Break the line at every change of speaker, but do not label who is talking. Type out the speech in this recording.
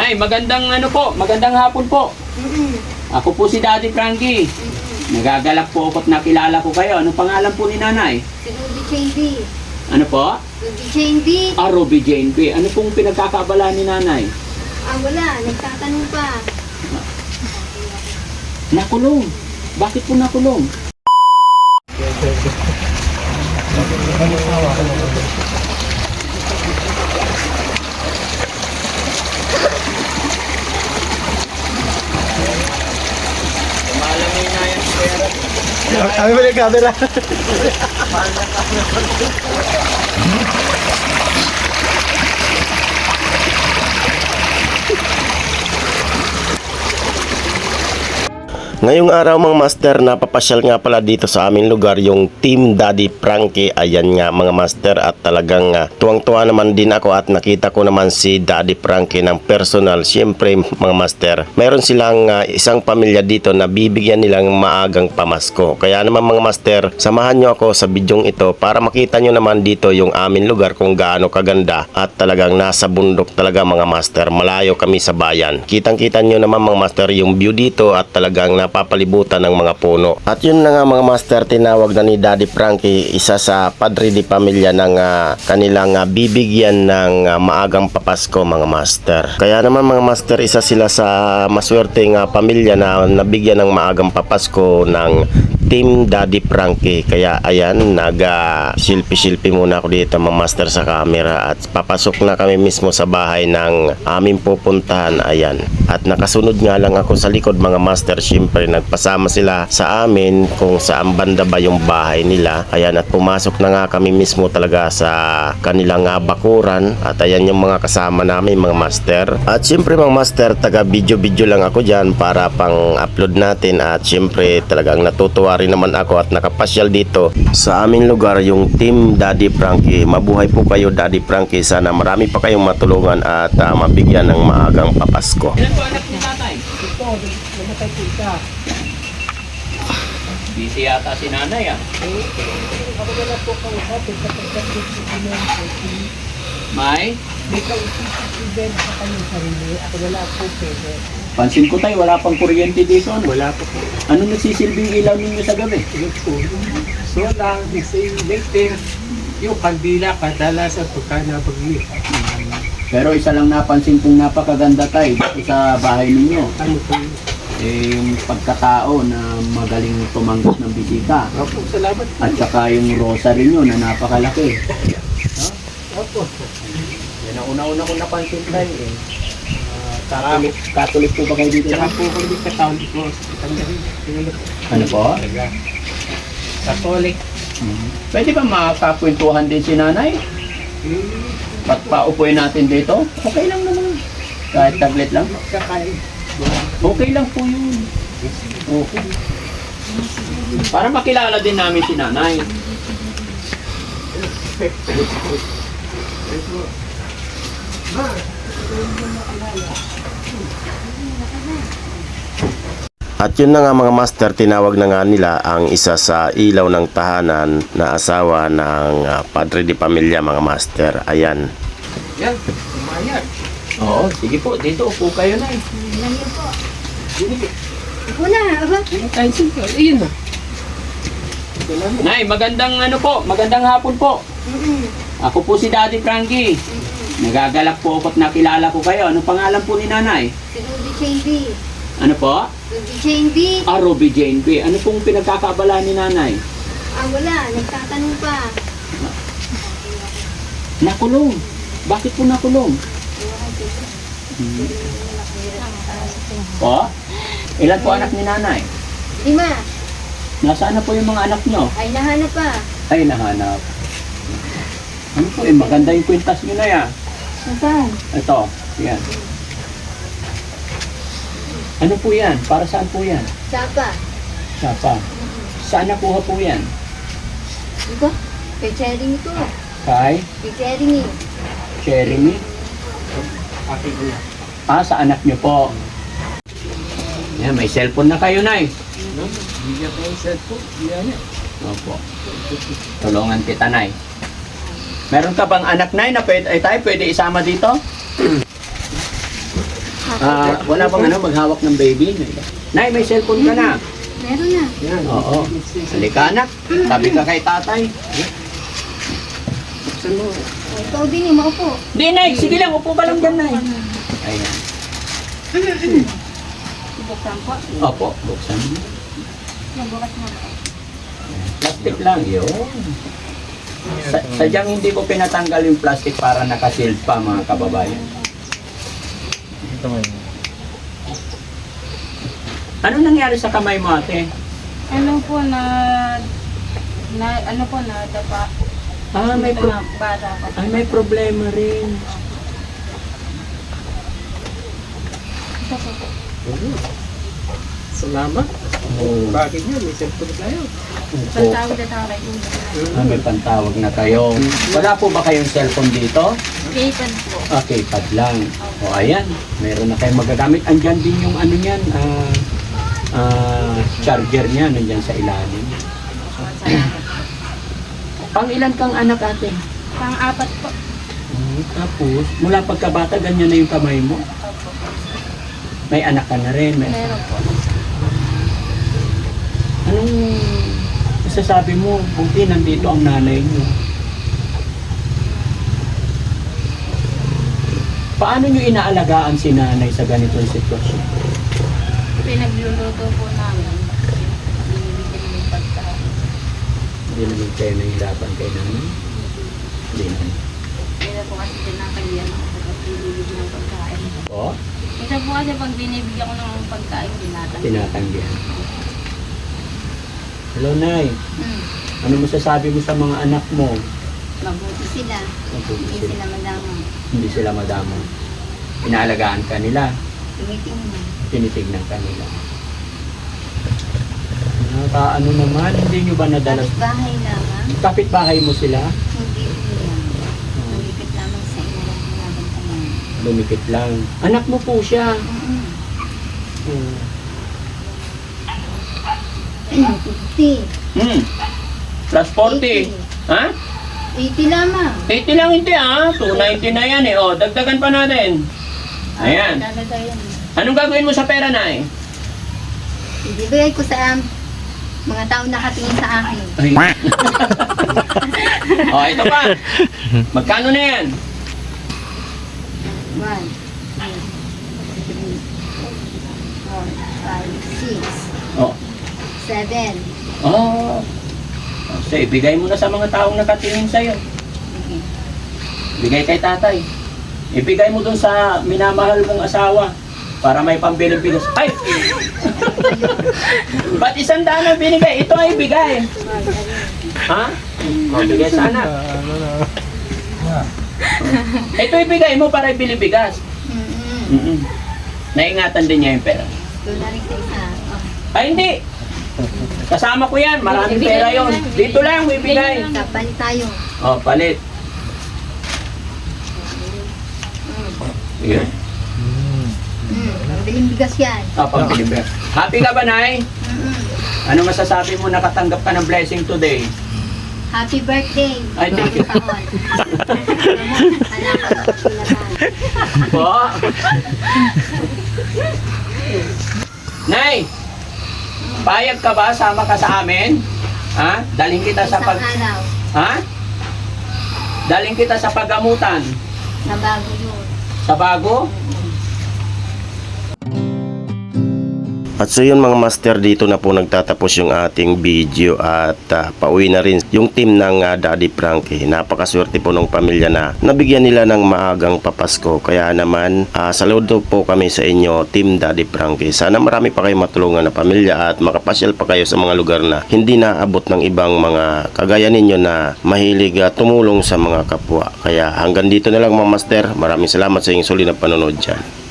Nay, magandang magandang hapon po. Ako po si Daddy Frankie. Nagagalak po ako't nakilala ko kayo. Anong pangalan po ni Nanay?
Si Ruby Jane B.
Ano po?
Ruby Jane B.
Ruby Jane B. Ano pong pinagkakabala ni Nanay?
Wala. Nagtatanong pa.
Nakulong. Bakit po nakulong? Malamin na yan, pera.
Kami mo yung camera. Ngayong araw mga master, napapasyal nga pala dito sa aming lugar yung Team Daddy Frankie. Ayan nga mga master, at talagang tuwang-tuwa naman din ako at nakita ko naman si Daddy Frankie ng personal. Siyempre mga master, meron silang isang pamilya dito na bibigyan nilang maagang pamasko. Kaya naman mga master, samahan nyo ako sa bidyong ito para makita nyo naman dito yung aming lugar kung gaano kaganda, at talagang nasa bundok talaga mga master. Malayo kami sa bayan. Kitang-kita nyo naman mga master yung view dito, at talagang napapalibutan ng mga puno. At yun na nga mga master, tinawag na ni Daddy Frankie isa sa padre di pamilya ng kanilang bibigyan ng maagang papasko mga master. Kaya naman mga master, isa sila sa maswerteng pamilya na nabigyan ng maagang papasko ng Team Daddy Frankie. Kaya ayan, nag-silpi-silpi muna ako dito mga master sa camera, at papasok na kami mismo sa bahay ng aming pupuntahan. Ayan, at nakasunod nga lang ako sa likod mga master. Siyempre nagpasama sila sa amin kung saan banda ba yung bahay nila. Ayan, at pumasok na nga kami mismo talaga sa kanilang bakuran, at ayan yung mga kasama namin mga master. At siyempre mga master, taga video lang ako dyan para pang upload natin, at siyempre talagang natutuwa rin naman ako at nakapasyal dito sa aming lugar yung Team Daddy Frankie. Mabuhay po kayo Daddy Frankie, sana marami pa kayong matulungan at mabigyan ng maagang papasko.
Ilan po anak ni Tatay? Ito, namatay po isa. Busy yata si Nanay
Ako wala po kang hapit sa
May?
May kausip sa kanyang sarili. Ako wala po pwede.
Pansin ko tayo, wala pang kuryente dito.
Wala po po.
Anong nagsisilbing ilaw ninyo sa gabi?
So lang, later, yung kandila kadalasan pagka nabagli.
Pero isa lang napansin kong napakaganda tayo sa bahay ninyo.
Ano po?
Yung pagkatao na magaling tumanggap ng bisita.
Opo, salamat po.
At saka yung rosary nyo na napakalaki.
Opo.
Yan ang una-una kong napansin tayo eh. Catholic po ba kayo dito?
Tsaka po kami Catholic po.
Ano po?
Catholic.
Pwede ba makakakwentuhan din si Nanay? At paupuin natin dito? Okay lang naman. Kahit tablet lang?
Kakain.
Okay lang po yun. Okay. Para makilala din namin si Nanay.
At yun na nga mga master, tinawag na nga nila ang isa sa ilaw ng tahanan na asawa ng padre di pamilya mga master. Ayan.
Yan, umayag.
Oo, sige po. Dito upo kayo na eh.
Ilan yun po? Ako na. Aba.
Ay, sige. Ayun na.
Nay, magandang hapon po. Ako po si Daddy Frankie. Nagagalak po ako't nakilala ko kayo. Anong pangalan po ni Nanay?
Si Ruby Jane B.
Ano po?
Ruby Jane B.
Ruby Jane B. Ano pong pinagkakabala ni Nanay?
Wala. Nagtatanong pa.
Nakulong. Bakit po nakulong? Po? Ilan po anak ni Nanay?
5.
Nasaan na po yung mga anak nyo?
Ay, nahanap pa.
Ay, nahanap. Ano po eh, maganda yung kwintas nyo na yan.
Nasaan?
Ito, yan. Ano po yan? Para saan po yan?
Sapa.
Sapa. Saan nakuha po yan?
Ito? Kay Cherry ko.
Kay
Kay Cherry.
Jeremy? Sa anak nyo po. Yan, may cellphone na kayo, Nay.
Bigyan ko yung cellphone. Bigyan niya.
Opo. Tulungan kita, Nay. Meron ka bang anak, Nay, na pwede isama dito? Wala bang ano, maghawak ng baby? Nay, may cellphone ka na.
Meron na.
Oo. Halika anak. Tabi ka kay tatay.
Ikaw din yung maupo.
Di, Nay. Sige lang. Upo ka lang dyan, Nay. Ayan.
Buksan po.
Opo. Buksan mo.
Nabukas mo po.
Plastic lang. Yun. Sadyang hindi ko pinatanggal yung plastic para nakasealed pa, mga kababayan. Ano nangyari sa kamay mo, ate?
Ano po na dapa.
May
Bata pa.
Ay, may problema rin.
Ito po.
Salamat. Bakit nga? May cellphone tayo.
Pantawag na tawag.
May pantawag na kayo. Wala po ba kayong cellphone dito?
Kaypad po.
Okay, pad lang. O ayan, meron na kayong magagamit. Andyan din yung ano niyan, charger niya, nandyan sa ilalim. Pang ilan kang anak, ate?
Pang-apat po.
Tapos, mula pagkabata, ganyan na yung kamay mo?
Opo.
May anak ka na rin.
Meron po.
Anong masasabi mo? Buti nandito ang nanay mo. Paano nyo inaalagaan si nanay sa ganitong sitwasyon?
Pinagluluto po namin. Binibigyan ng pagkain.
Hindi naman kayo nahihirapan kay nanay? Hindi naman.
Kaya po kasi tinatanggihan ako sa pagbibigyan ng pagkain.
O?
Ito po kasi pag binibigyan ko ng pagkain, tinatanggihan.
Tinatanggihan. Hello, Nay. Ano masasabi mo sa mga anak mo?
Mabuti sila.
Mabuti
Hindi
sila.
sila madama.
Hindi sila madamo. Inaalagaan ka nila.
Tumitingnan.
Tinitignan ka nila. Ano naman, hindi nyo ba nadalas?
Tapos bahay lamang.
Kapit-bahay mo sila?
Hindi umiyak. Malipit lamang sa ina lang pinabantayan.
Lumikit lang. Anak mo po siya. Hmm.
50.
Plus 40. Ha?
80 lamang.
80 lang hindi ah. 290 na yan eh. O, dagdagan pa natin. Ayan.
Dadagayan.
Anong gagawin mo sa pera, Nay?
Ibibigay ko sa mga tao nakatingin sa akin.
Ay. O, ito pa. Magkano na yan?
1, 2, 3, 4, 5, 6,
O.
7.
Oh. So, ibigay mo na sa mga taong nakatingin sa'yo.
Okay.
Ibigay kay tatay. Ibigay mo dun sa minamahal mong asawa para may pambiling bigas. Ay! Ba't 100 na binigay? Ito ay bigay. Ha? Bigay sa anak. Ito ibigay mo para ibili bigas. Naingatan din niya yung pera.
Doon na rin sa isa. Oh.
Ay, hindi. Kasama ko yan. Maraming pera yon. Dito lang, ibigay.
Kapalit tayo.
Oh, palit. Yun.
Pambiling bigas yan.
Ah, pambiling bigas. Happy ka ba, Nay? Ano masasabi mo nakatanggap ka ng blessing today?
Happy birthday.
Ay, thank you.
Taon. Anak ko, pinabahan.
Po? Nay, payag ka ba? Sama ka sa amin? Ha? Daling kita sa
Isang araw.
Ha? Daling kita sa paggamutan.
Na bago yun.
Sa bago?
At so yun mga master, dito na po nagtatapos yung ating video at pauwi na rin yung team ng Daddy Frankie. Napakaswerte po ng pamilya na nabigyan nila ng maagang papasko. Kaya naman saludo po kami sa inyo, Team Daddy Frankie. Sana marami pa kayo matulungan na pamilya at makapasyal pa kayo sa mga lugar na hindi naabot ng ibang mga kagaya ninyo na mahilig tumulong sa mga kapwa. Kaya hanggang dito na lang mga master. Maraming salamat sa inyong sulit na panonood dyan.